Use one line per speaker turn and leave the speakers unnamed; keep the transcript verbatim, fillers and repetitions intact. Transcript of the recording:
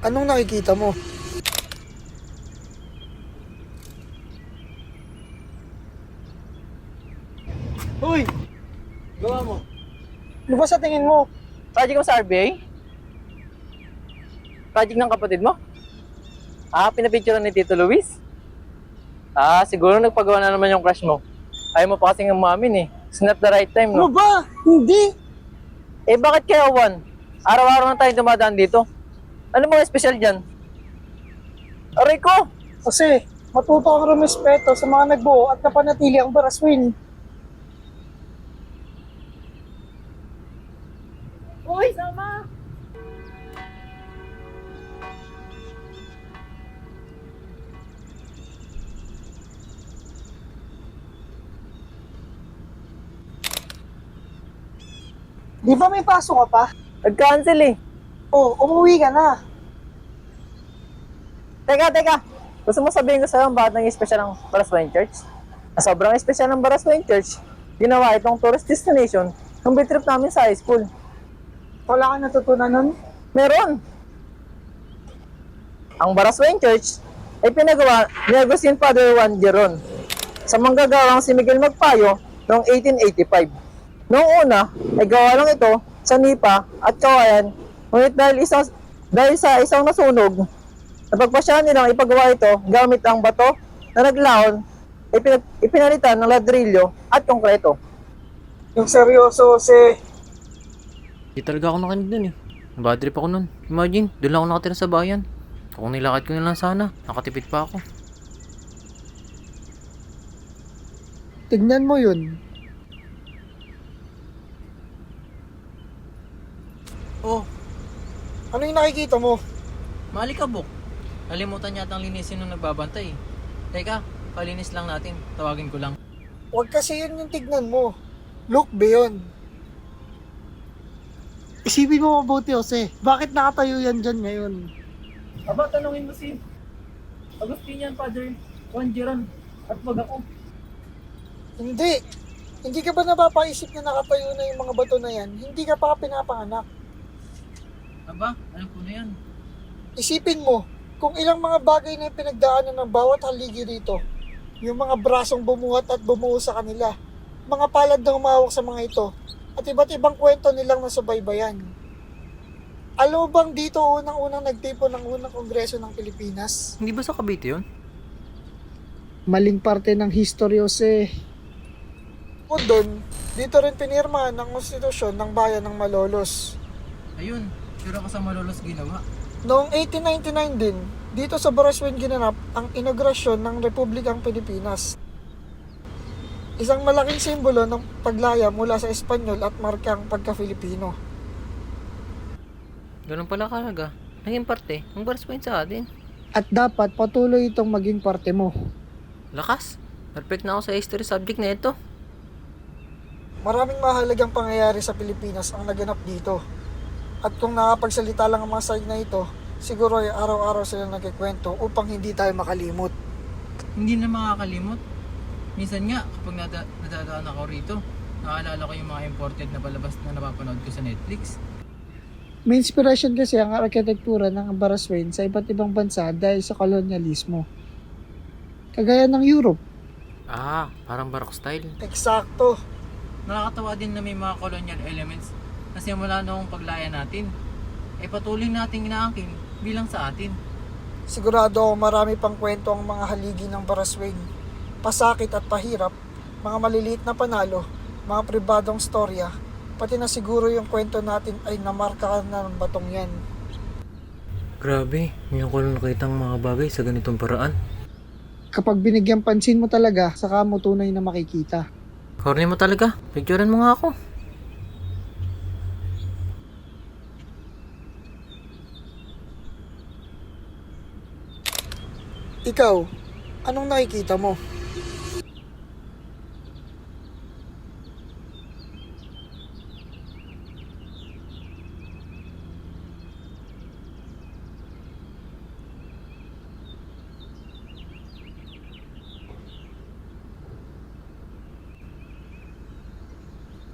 Anong nakikita mo?
Uy! Gawa mo.
Ano ba sa tingin mo?
Project mo sa R B A? Project ng kapatid mo? Ah, pinapicturean ni Tito Luis? Ah, siguro nagpagawa na naman yung crush mo. Ayaw mo pa kasing umamin eh. It's not the right time,
Ano
no?
ba? Hindi!
Eh, bakit kaya, Juan? Araw-araw na tayo dumadaan dito. Ano mga special dyan? Aray ko!
Kasi matuto ang rumespeto sa mga nagbuo at napanatili ang Baraswin.
Uy, sama!
Di ba may pasok ka pa?
Nag-cancel eh.
Oh, umuwi ka na.
Teka, teka. Gusto mo sabihin ko sa'yo bakit naging special ang Baraswain Church? Na sobrang special ng Baraswain Church, ginawa itong tourist destination ng big trip namin sa high school.
Wala ka natutunan nun?
Meron! Ang Baraswain Church ay pinagawa ni Agustin Father Juan Geron sa manggagawang si Miguel Magpayo noong eighteen eighty-five. Noong una ay gawa lang ito sa Nipa at Kawayan, ngunit dahil, isa, dahil sa isang nasunog, napagpasyahan nilang ipagawa ito gamit ang bato na naglaon, ipin, ipinalitan ng ladrilyo at konkreto.
Yung seryoso, si...
Di talaga ako nakinig dun eh. Bad trip ako nun. Imagine, doon lang ako nakatira sa bayan. Kung nilakad ko na lang sana, nakatipid pa ako.
Tignan mo yun.
Oh,
Ano yung nakikita mo?
Malikabok. Nalimutan yata ang linisin nung nagbabantay. Teka, palinis lang natin. Tawagin ko lang.
Huwag kasi yun yung tignan mo. Look beyond. Isipin mo mabuti, Jose. Bakit nakatayo yan dyan ngayon?
aba, tanungin mo si Agustinian Father Juan Geron at wag ako.
Hindi. Hindi ka ba napapaisip na nakatayo na yung mga bato na yan? Hindi ka pa pinapanganak.
Aba, alam ko na yan.
Isipin mo, kung ilang mga bagay na yung pinagdaanan ng bawat haligi rito. Yung mga brasong bumuhat at bumuo sa kanila. Mga palad na humawak sa mga ito. At iba't ibang kwento nilang nasubaybayan. Alam mo bang dito unang-unang nagtipon ng unang kongreso ng Pilipinas?
Hindi ba sa Cavite yun?
Maling parte ng history, Jose. O doon, dito rin pinirmahan ng konstitusyon ng bayan ng Malolos.
Ayun, sure ako sa malolos ginawa.
Noong eighteen ninety-nine din, dito sa Baraswin ginanap ang inaugurasyon ng Republikang Pilipinas. Isang malaking simbolo ng paglaya mula sa Espanyol at markang pagka-Filipino.
Ganun pala kalaga. Naging parte, ang Baraswain sa atin.
At dapat patuloy itong maging parte mo.
Lakas. Perfect na ako sa history subject na ito.
Maraming mahalagang pangyayari sa Pilipinas ang naganap dito. At kung nakapagsalita lang ang mga side na ito, siguro ay araw-araw sila nagkikwento upang hindi tayo makalimot.
Hindi na makakalimot. Minsan nga, kapag nada- nadadaan ako rito, naalala ko yung mga imported na palabas na napapanood ko sa Netflix.
May inspiration kasi ang arkitektura ng Baraswain sa iba't ibang bansa dahil sa kolonyalismo. Kagaya ng Europe.
Ah, parang barok style.
Eksakto.
Nakakatawa din na may mga colonial elements na simula noong paglaya natin. Ay patuloy nating inaangkin bilang sa atin.
Sigurado ako marami pang kwento ang mga haligi ng Baraswain. Pasakit at pahirap, mga maliliit na panalo, mga pribadong storya, pati na siguro yung kwento natin ay namarka na ng batong yan.
Grabe, ngayon ko lang nakita ang mga bagay sa ganitong paraan.
Kapag binigyan pansin mo talaga, saka mo tunay na makikita.
Corny mo talaga, picturean mo nga ako.
Ikaw, anong nakikita mo?